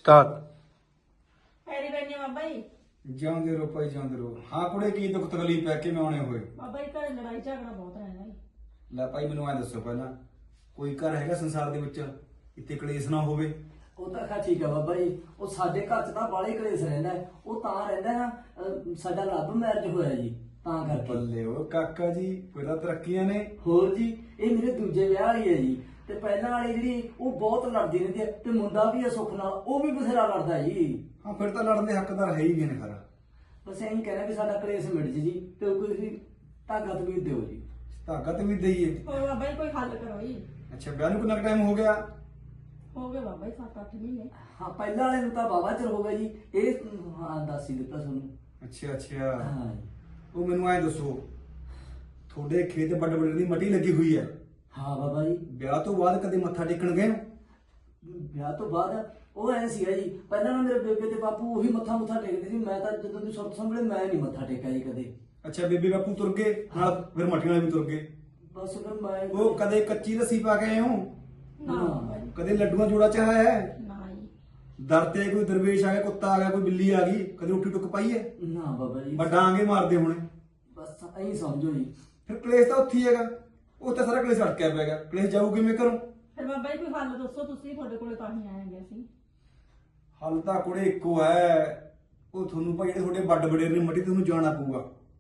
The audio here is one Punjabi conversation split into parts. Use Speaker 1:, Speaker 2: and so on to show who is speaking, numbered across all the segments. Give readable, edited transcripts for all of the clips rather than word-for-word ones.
Speaker 1: ਸਟਾਰਟ।
Speaker 2: ਪੈਰੀ ਪੈਣੀ ਬਾਬਾ ਜੀ।
Speaker 3: ਜਿਉਂਦੇ ਰਹੋ ਭਾਈ ਜਿਉਂਦੇ ਰਹੋ। ਹਾਂ ਕੁੜੇ ਕੀ ਦੁੱਖ ਤਕਲੀਫ ਹੈ ਕਿਵੇਂ ਆਉਣੇ ਹੋਏ?
Speaker 2: ਬਾਬਾ ਜੀ ਘਰੇ ਲੜਾਈ ਝਗੜਾ ਬਹੁਤ ਰਹਿੰਦਾ ਜੀ।
Speaker 3: ਲੈ ਭਾਈ ਮੈਨੂੰ ਐ ਦੱਸੋ ਪਹਿਲਾਂ ਕੋਈ ਘਰ ਹੈਗਾ ਸੰਸਾਰ ਦੇ ਵਿੱਚ ਇੱਥੇ ਕਲੇਸ਼ ਨਾ ਹੋਵੇ?
Speaker 4: ਉਹ ਤਾਂ ਖਾ ਠੀਕ ਆ ਬਾਬਾ ਜੀ। ਉਹ ਸਾਡੇ ਘਰ 'ਚ ਤਾਂ ਬਾਲੇ ਕਲੇਸ਼ ਰਹਿੰਦਾ ਹੈ। ਉਹ ਤਾਂ ਰਹਿੰਦਾ ਨਾ ਸਾਡਾ ਲਵ ਮੈਰਿਜ ਹੋਇਆ ਜੀ, ਤਾਂ ਕਰਕੇ।
Speaker 3: ਬੱਲੇ ਉਹ ਕਾਕਾ ਜੀ ਪਹਿਲਾਂ ਤਰੱਕੀਆਂ ਨੇ।
Speaker 4: ਹੋਰ ਜੀ, ਇਹ ਮੇਰੇ ਦੂਜੇ ਵਿਆਹ ਵਾਲੀ ਹੈ ਜੀ। ਤੇ ਪਹਿਲਾਂ ਵਾਲੀ ਜਿਹੜੀ ਉਹ ਬਹੁਤ ਲੜਦੀ ਰਹਿੰਦੀ ਹੈ, ਤੇ ਮੁੰਡਾ ਵੀ ਹੈ ਸੁੱਖ ਨਾਲ, ਉਹ ਵੀ ਬਥੇਰਾ ਲੜਦਾ ਜੀ।
Speaker 3: ਹਾਂ ਫਿਰ ਤਾਂ ਲੜਨ ਦੇ ਹੱਕਦਾਰ ਹੈ ਹੀ ਗਏ ਨੇ ਖਰਾ।
Speaker 4: ਬਸ ਇਹੀ ਕਹਿਣਾ ਵੀ ਸਾਡਾ ਕਲੇਸ਼ ਮਿਟ ਜੇ ਜੀ, ਤੇ ਕੋਈ ਧਾਗਾ ਤਵੀਰ ਦਿਓ ਜੀ।
Speaker 3: ਧਾਗਾ ਤੇ ਵੀ ਦਈਏ।
Speaker 2: ਹੋਰ ਬਾਬਾ ਜੀ ਕੋਈ ਹੱਲ ਕਰੋ ਜੀ।
Speaker 3: ਅੱਛਾ ਵਿਆਹ ਨੂੰ ਕਿੰਨਾ ਟਾਈਮ ਹੋ ਗਿਆ?
Speaker 2: ਹੋ ਗਏ ਬਾਬਾ ਜੀ 7-8 ਮਹੀਨੇ।
Speaker 4: ਹਾਂ ਪਹਿਲਾਂ ਵਾਲੇ ਨੂੰ ਤਾਂ ਬਾਬਾ ਚਿਰ ਹੋ ਗਿਆ ਜੀ। ਇਹ ਹਾਂ ਦੱਸ ਹੀ ਦਿੱਤਾ ਤੁਹਾਨੂੰ।
Speaker 3: ਅੱਛਾ ਅੱਛਾ।
Speaker 4: ਹਾਂ ਜੀ।
Speaker 3: ਉਹ ਮੈਨੂੰ ਐ ਦੱਸੋ ਤੁਹਾਡੇ ਖੇਤ ਵੱਡ ਵੱਡੇ ਦੀ ਮੱਟੀ ਲੱਗੀ ਹੋਈ ਹੈ,
Speaker 4: ਹਾਂ ਬਾਬਾ ਜੀ।
Speaker 3: ਵਿਆਹ ਤੋਂ ਬਾਅਦ ਕਦੇ ਮੱਥਾ ਟੇਕਣ ਗਏ ਹੋ?
Speaker 4: ਵਿਆਹ ਤੋਂ ਬਾਅਦ ਉਹ ਐ ਸੀਗਾ ਜੀ, ਪਹਿਲਾਂ ਨਾ ਮੇਰੇ ਬੇਬੇ ਤੇ ਬਾਪੂ ਉਹੀ ਮੱਥਾ ਟੇਕਦੇ ਸੀ। ਮੈਂ ਤਾਂ ਜਦੋਂ ਦੀ ਸੁਰਤ ਸੰਭਲੇ ਮੈਂ ਨਹੀਂ ਮੱਥਾ ਟੇਕਿਆ ਜੀ ਕਦੇ।
Speaker 3: ਅੱਛਾ ਬੇਬੇ ਬਾਪੂ ਤੁਰ ਗਏ ਨਾਲ, ਫਿਰ ਮੱਠੀਆਂ ਵਾਲੇ ਵੀ ਤੁਰ ਗਏ।
Speaker 4: ਬਸ ਫਿਰ ਮੈਂ
Speaker 3: ਉਹ ਕਦੇ ਕੱਚੀ ਲੱਸੀ ਪਾ ਕੇ ਆਏ ਹੋ?
Speaker 2: ਨਾ ਬਾਬਾ ਜੀ,
Speaker 3: ਕਦੇ ਲੱਡੂਆਂ ਜੋੜਾ ਚਾਹਿਆ ਹੈ?
Speaker 2: ਨਾ ਜੀ।
Speaker 3: ਦਰ ਤੇ ਕੋਈ ਦਰਵੇਸ਼ ਆ ਗਿਆ, ਕੁੱਤਾ ਆ ਗਿਆ, ਕੋਈ ਬਿੱਲੀ ਆ ਗਈ, ਕਦੇ ਉੱਠੀ ਟੁੱਕ ਪਾਈ ਹੈ?
Speaker 4: ਨਾ ਬਾਬਾ ਜੀ।
Speaker 3: ਡਾਂਗੇ ਮਾਰਦੇ ਹੋਣੇ।
Speaker 4: ਬਸ ਐਂ ਸਮਝੋ ਜੀ।
Speaker 3: ਫਿਰ ਕਲੇਸ਼ ਤਾਂ ਉੱਥੇ ਹੀ ਹੈਗਾ, ਉਹ ਤਾਂ ਸਾਰਾ ਕਲੇਸ਼ ਅਟਕਿਆ ਪਿਆ ਹੈਗਾ। ਕਲੇਸ਼ ਜਾਊ ਕਿਵੇਂ ਕਰੋ?
Speaker 2: ਫਿਰ ਬਾਬਾ ਜੀ ਕੋਈ ਹੱਲ ਦੱਸੋ, ਤੁਸੀਂ ਤੁਹਾਡੇ ਕੋਲੇ ਤਾਂ ਹੀ ਆਏ ਸੀ।
Speaker 3: ਹੱਲ ਤਾਂ ਕੁੜੇ ਇੱਕੋ ਹੈ, ਉਹ ਤੁਹਾਨੂੰ ਭਾਈ ਜਿਹੜੇ ਤੁਹਾਡੇ ਵੱਡ ਵਡੇਰ ਨੇ ਮੱਟੀ ਤੁਹਾਨੂੰ ਜਾਣਾ ਪਊਗਾ।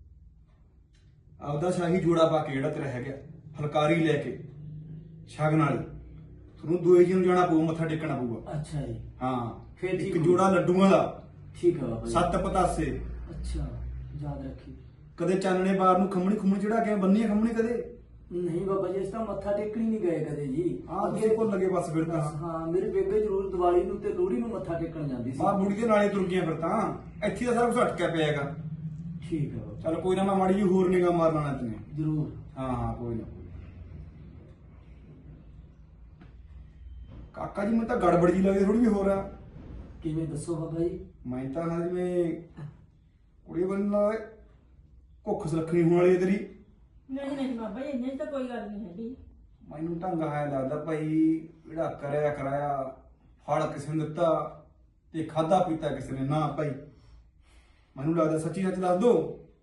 Speaker 3: ਆਪਦਾ ਸ਼ਾਹੀ ਜੋੜਾ ਪਾ ਕੇ ਜਿਹੜਾ ਤੇਰਾ ਹੈਗਾ ਫਲਕਾਰੀ ਲੈ ਕੇ ਸ਼ਗਨ ਵਾਲੀ, ਤੁਹਾਨੂੰ ਦੋਏ ਜੀ ਨੂੰ ਜਾਣਾ ਪਊ, ਮੱਥਾ ਟੇਕਣਾ ਪਊਗਾ।
Speaker 4: ਅੱਛਾ ਜੀ।
Speaker 3: ਹਾਂ
Speaker 4: ਫਿਰ ਠੀਕ
Speaker 3: ਇੱਕ
Speaker 4: ਹੋਊ।
Speaker 3: ਜੋੜਾ ਲੱਡੂਆਂ ਦਾ,
Speaker 4: ਠੀਕ ਹੈ ਬਾਬਾ ਜੀ।
Speaker 3: 7 ਪਤਾਸੇ।
Speaker 4: ਅੱਛਾ ਯਾਦ ਰੱਖੀ।
Speaker 3: ਕਦੇ ਚਾਨਣੇ ਬਾਰ ਨੂੰ ਖੰਮਣੀ ਖੁੰਮਣੀ ਚੜਾ ਕੇ ਬੰਨੀ ਹੈ ਖੰਮਣੀ ਕਦੇ?
Speaker 4: ਨਹੀਂ ਬਾਬਾ ਜੀ, ਇਸ ਤਾਂ ਮੱਥਾ ਟੇਕਣ ਹੀ ਨਹੀਂ ਗਏ ਕਦੇ ਜੀ।
Speaker 3: ਆਹ ਅੱਗੇ ਭੁੱਲ ਲੱਗੇ ਬਸ ਫਿਰ ਤਾਂ।
Speaker 4: ਹਾਂ ਮੇਰੇ ਬੇਬੇ ਜ਼ਰੂਰ ਦੀਵਾਲੀ ਨੂੰ ਤੇ ਲੋਹੜੀ ਨੂੰ ਮੱਥਾ ਟੇਕਣ ਜਾਂਦੀ ਸੀ।
Speaker 3: ਆਹ ਬੁੜੀ ਦੇ ਨਾਲੇ ਤੁਰ ਗਈਆਂ ਫਿਰ ਤਾਂ। ਇੱਥੇ ਤਾਂ ਸਾਰਾ ਕੁਝ ਅਟਕਿਆ ਪਿਆ ਹੈਗਾ।
Speaker 4: ਠੀਕ ਹੈ ਬਾਬਾ।
Speaker 3: ਚਲ ਕੋਈ ਨਾ, ਮੈਂ ਮਾੜੀ ਜੀ ਹੋਰ ਨਿਗਾਹ ਮਾਰ ਲੈਣਾ ਤੈਨੂੰ।
Speaker 4: ਜ਼ਰੂਰ।
Speaker 3: ਹਾਂ ਹਾਂ ਕੋਈ ਨਾ। ਕਾਕਾ ਜੀ ਮੈਨੂੰ ਤਾਂ ਗੜਬੜ ਜੀ ਲੱਗਦੀ ਥੋੜੀ ਜਿਹੀ ਹੋਰ ਆ।
Speaker 4: ਕਿਵੇਂ ਦੱਸੋ ਬਾਬਾ ਜੀ?
Speaker 3: ਮੈਂ ਤਾਂ ਨਾ ਜਿਵੇਂ ਕੁੜੀ ਬੰਨਾ ਕੁੱਖ ਸੁਲੱਖਣੀ ਹੋਣ ਵਾਲੀ ਹੈ ਤੇਰੀ।
Speaker 2: ਨਹੀਂ ਨਹੀਂ ਬਾਬਾ ਜੀ, ਇੰਨੇ ਤਾਂ ਕੋਈ ਗੱਲ ਨਹੀਂ ਹੈਗੀ।
Speaker 3: ਮੈਨੂੰ ਢੰਗ ਆਇਆ ਲੱਗਦਾ ਭਾਈ, ਜਿਹੜਾ ਕਰਿਆ ਕਰਾਇਆ ਫਲ ਕਿਸੇ ਨੂੰ ਦਿੱਤਾ ਤੇ ਖਾਦਾ ਪੀਤਾ ਕਿਸੇ ਨੇ ਨਾ ਭਾਈ। ਮੈਨੂੰ ਲੱਗਦਾ ਸੱਚੀ ਸੱਚ ਦੱਸ ਦੋ।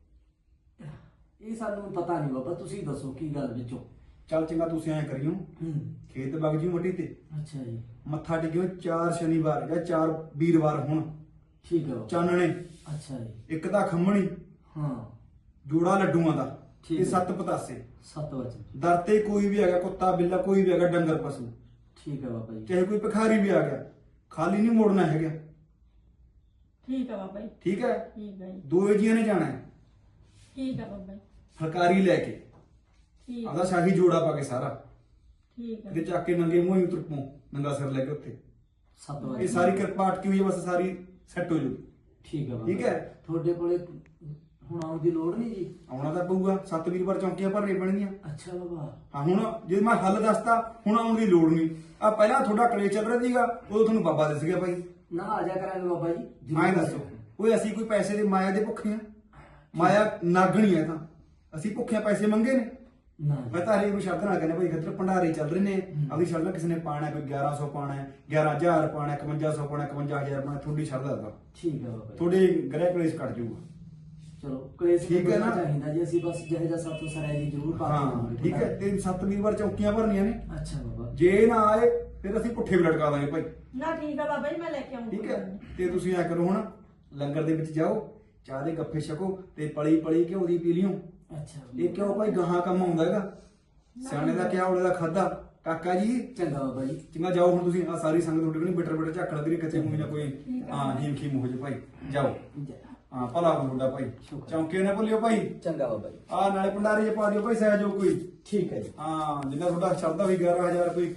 Speaker 4: ਇਹ ਸਾਨੂੰ ਪਤਾ ਨਹੀਂ ਬਾਬਾ, ਤੁਸੀਂ ਦੱਸੋ ਕੀ ਗੱਲ ਵਿੱਚੋਂ।
Speaker 3: ਚੱਲ ਚੰਗਾ ਤੁਸੀਂ ਐਂ ਕਰਿਓ, ਖੇਤ ਵਗ ਜਿਓ ਮੱਟੀ ਤੇ,
Speaker 4: ਅੱਛਾ ਜੀ।
Speaker 3: ਮੱਥਾ ਟੇਕਿਓ 4 ਸ਼ਨੀਵਾਰ ਜਾਂ 4 ਵੀਰਵਾਰ ਹੁਣ
Speaker 4: ਠੀਕ ਹੈ ਬਾਬਾ।
Speaker 3: ਚਾਨਣੇ।
Speaker 4: ਅੱਛਾ ਜੀ।
Speaker 3: ਇੱਕ ਤਾਂ ਖੰਮਣੀ,
Speaker 4: ਹਾਂ
Speaker 3: ਜੋੜਾ ਲੱਡੂਆਂ ਦਾ
Speaker 4: ਠੀਕ
Speaker 3: ਤੇ
Speaker 4: ਹੈ।
Speaker 3: 7 ਪਤਾਸੇ।
Speaker 4: 7 ਵਜੇ।
Speaker 3: ਦਰ ਤੇ ਕੋਈ ਵੀ ਹੈਗਾ, ਕੁੱਤਾ ਬਿੱਲਾ ਕੋਈ ਵੀ ਹੈਗਾ, ਡੰਗਰ ਪਸ਼ੂ,
Speaker 4: ਠੀਕ ਹੈ ਬਾਬਾ ਜੀ।
Speaker 3: ਚਾਹੇ ਕੋਈ ਭਿਖਾਰੀ ਵੀ ਆ ਗਿਆ, ਖਾਲੀ ਨਹੀਂ ਮੋੜਨਾ ਹੈਗਾ।
Speaker 2: ਠੀਕ ਹੈ ਬਾਬਾ ਜੀ।
Speaker 3: ਠੀਕ ਹੈ?
Speaker 2: ਠੀਕ ਹੈ ਜੀ।
Speaker 3: ਦੋਏ ਜੀਆਂ ਨੇ ਜਾਣਾ ਹੈ
Speaker 2: ਠੀਕ ਹੈ ਬਾਬਾ ਜੀ।
Speaker 3: ਫਲਕਾਰੀ ਲੈ ਕੇ,
Speaker 2: ਠੀਕ
Speaker 3: ਆਪਦਾ ਸ਼ਾਹੀ ਜੋੜਾ ਪਾ ਕੇ ਸਾਰਾ,
Speaker 2: ਠੀਕ
Speaker 3: ਕਿਤੇ
Speaker 2: ਹੈ।
Speaker 3: ਚੱਕ ਕੇ ਨੰਗੇ ਮੂੰਹ ਹੀ ਤੁਰਪੋਂ ਨੰਗਾ ਸਿਰ ਲੈ ਕੇ ਉੱਥੇ।
Speaker 4: 7
Speaker 3: ਇਹ
Speaker 4: ਵਜੇ।
Speaker 3: ਸਾਰੀ ਕਿਰਪਾ ਅਟਕੀ ਹੋਈ ਹੈ, ਬਸ ਸਾਰੀ ਸੈੱਟ ਹੋ ਜੂ।
Speaker 4: ਠੀਕ ਹੈ ਬਾਬਾ।
Speaker 3: ਠੀਕ ਹੈ।
Speaker 4: ਤੁਹਾਡੇ ਕੋਲੇ ਹੁਣ ਆਉਣ ਦੀ ਲੋੜ ਨਹੀਂ ਜੀ?
Speaker 3: ਆਉਣਾ ਤਾਂ ਪਊਗਾ, 7 ਵੀਰਵਾਰ ਚੌਂਕੀਆਂ ਭਰਨੀਆਂ ਪੈਣਗੀਆਂ।
Speaker 4: ਅੱਛਾ ਬਾਬਾ।
Speaker 3: ਹਾਂ ਹੁਣ ਜੇ ਮੈਂ ਹੱਲ ਦੱਸਤਾ, ਹੁਣ ਆਉਣ ਦੀ ਲੋੜ ਨਹੀਂ। ਆ ਪਹਿਲਾਂ ਤੁਹਾਡਾ ਕਲੇਸ਼ ਚੱਲ ਰਿਹਾ ਸੀਗਾ, ਉਦੋਂ ਤੁਹਾਨੂੰ ਬਾਬਾ ਦਿਸ ਗਿਆ ਭਾਈ।
Speaker 4: ਨਾ ਆ ਜਾ ਕਰਾਂਗੇ ਬਾਬਾ ਜੀ, ਜ਼ਰੂਰ।
Speaker 3: ਐਂ ਦੱਸੋ, ਓਏ ਅਸੀਂ ਕੋਈ ਪੈਸੇ ਦੇ ਮਾਇਆ ਦੇ ਭੁੱਖੇ ਆ? ਮਾਇਆ ਨਾਗਣੀ ਹੈ ਤਾਂ ਅਸੀਂ ਭੁੱਖੇ ਪੈਸੇ ਮੰਗੇ ਨੇ?
Speaker 4: ਨਾ
Speaker 3: ਮੈਂ ਤਾਂ ਹਰੇ ਕੋਈ ਸ਼ਬਦ ਨਾਲ ਕਹਿੰਦਾ ਭਾਈ ਖੱਤਰ ਭੰਡਾਰੇ ਚੱਲ ਰਹੇ ਨੇ, ਆਪਣੀ ਸ਼ਰਧਾ ਕਿਸੇ ਨੇ ਪਾਣਾ, ਕੋਈ 1100 ਪਾਣਾ ਹੈ, 11000 ਪਾਣਾ, 5100 ਪਾਣਾ, 51000 ਪਾਣਾ, ਤੁਹਾਡੀ ਸ਼ਰਧਾ ਦਾ।
Speaker 4: ਠੀਕ ਹੈ ਬਾਬਾ ਜੀ।
Speaker 3: ਤੁਹਾਡੇ ਗ੍ਰਹਿ ਕਲੇਸ਼ ਕੱਟ ਜਾਊਗਾ।
Speaker 4: ਚਲੋ ਕਲੇਸ਼
Speaker 3: ਠੀਕ ਹੈ ਨਾ?
Speaker 4: ਚਾਹੀਦਾ ਜੀ, ਅਸੀਂ ਬਸ ਜਿਹੇ ਜਿਹਾ ਸਾਥੋਂ ਸਰਾਏ ਜੀ ਜ਼ਰੂਰ ਪਾ ਕੇ
Speaker 3: ਹਾਂ
Speaker 4: ਆਵਾਂਗੇ।
Speaker 3: ਠੀਕ ਹੈ। ਤੇ 7 ਵੀਰਵਾਰ ਚੌਂਕੀਆਂ ਭਰਨੀਆਂ ਨੇ।
Speaker 4: ਅੱਛਾ ਬਾਬਾ।
Speaker 3: ਜੇ ਨਾ ਆਏ ਫਿਰ ਅਸੀਂ ਪੁੱਠੇ ਵੀ ਲਟਕਾ ਦਾਂਗੇ ਭਾਈ।
Speaker 2: ਨਾ ਠੀਕ ਹੈ ਬਾਬਾ ਜੀ, ਮੈਂ ਲੈ ਕੇ ਆਉਂਗੀ।
Speaker 3: ਠੀਕ ਹੈ। ਤੇ ਤੁਸੀਂ ਐ ਕਰੋ, ਹੁਣ ਲੰਗਰ ਦੇ ਵਿੱਚ ਜਾਓ, ਚਾਹ ਦੇ ਗੱਫੇ ਛਕੋ ਤੇ ਪਲੀ ਪਲੀ ਘਿਓ ਦੀ ਪੀ ਲਿਓ।
Speaker 4: ਅੱਛਾ
Speaker 3: ਇਹ ਕਿਉਂ ਭਾਈ ਗਾਹਾਂ ਕੰਮ ਆਉਂਦਾ ਹੈਗਾ। ਸਿਆਣੇ ਦਾ ਕਿਹਾ, ਉਹਦੇ ਦਾ ਖਾਦਾ। ਕਾਕਾ ਜੀ
Speaker 4: ਚੰਗਾ ਬਾਬਾ ਜੀ।
Speaker 3: ਚੰਗਾ ਜਾਓ ਹੁਣ ਤੁਸੀਂ। ਆ ਸਾਰੀ ਸੰਗਤ ਤੁਹਾਡੇ ਕੋਲ ਨਹੀਂ ਬਿਟਰ ਬਿਟਰ ਝੱਕ ਲੱਗ ਰਹੀ, ਕੱਚੇ ਮੂੰਹ ਨਾ ਕੋਈ ਹਾਂ ਹੀਮ ਖੀਮ ਹੋ ਜੇ ਭਾਈ। ਜਾਓ। ਹਾਂ ਭਲਾ ਤੁਹਾਡਾ ਭਾਈ।
Speaker 4: ਸ਼ੁਕਰ।
Speaker 3: ਚੌਂਕੇ ਨਾ ਭੁੱਲਿਓ ਭਾਈ।
Speaker 4: ਚੰਗਾ ਬਾਬਾ ਜੀ।
Speaker 3: ਆ ਨਾਲੇ ਭੰਡਾਰੇ ਚ ਪਾ ਦਿਓ ਭਾਈ ਸਹਿਜੋਗ ਕੋਈ।
Speaker 4: ਠੀਕ ਹੈ ਜੀ।
Speaker 3: ਹਾਂ ਜਿੰਨਾ ਤੁਹਾਡਾ ਸ਼ਰਧਾ ਹੋਈ 11000 ਕੋਈ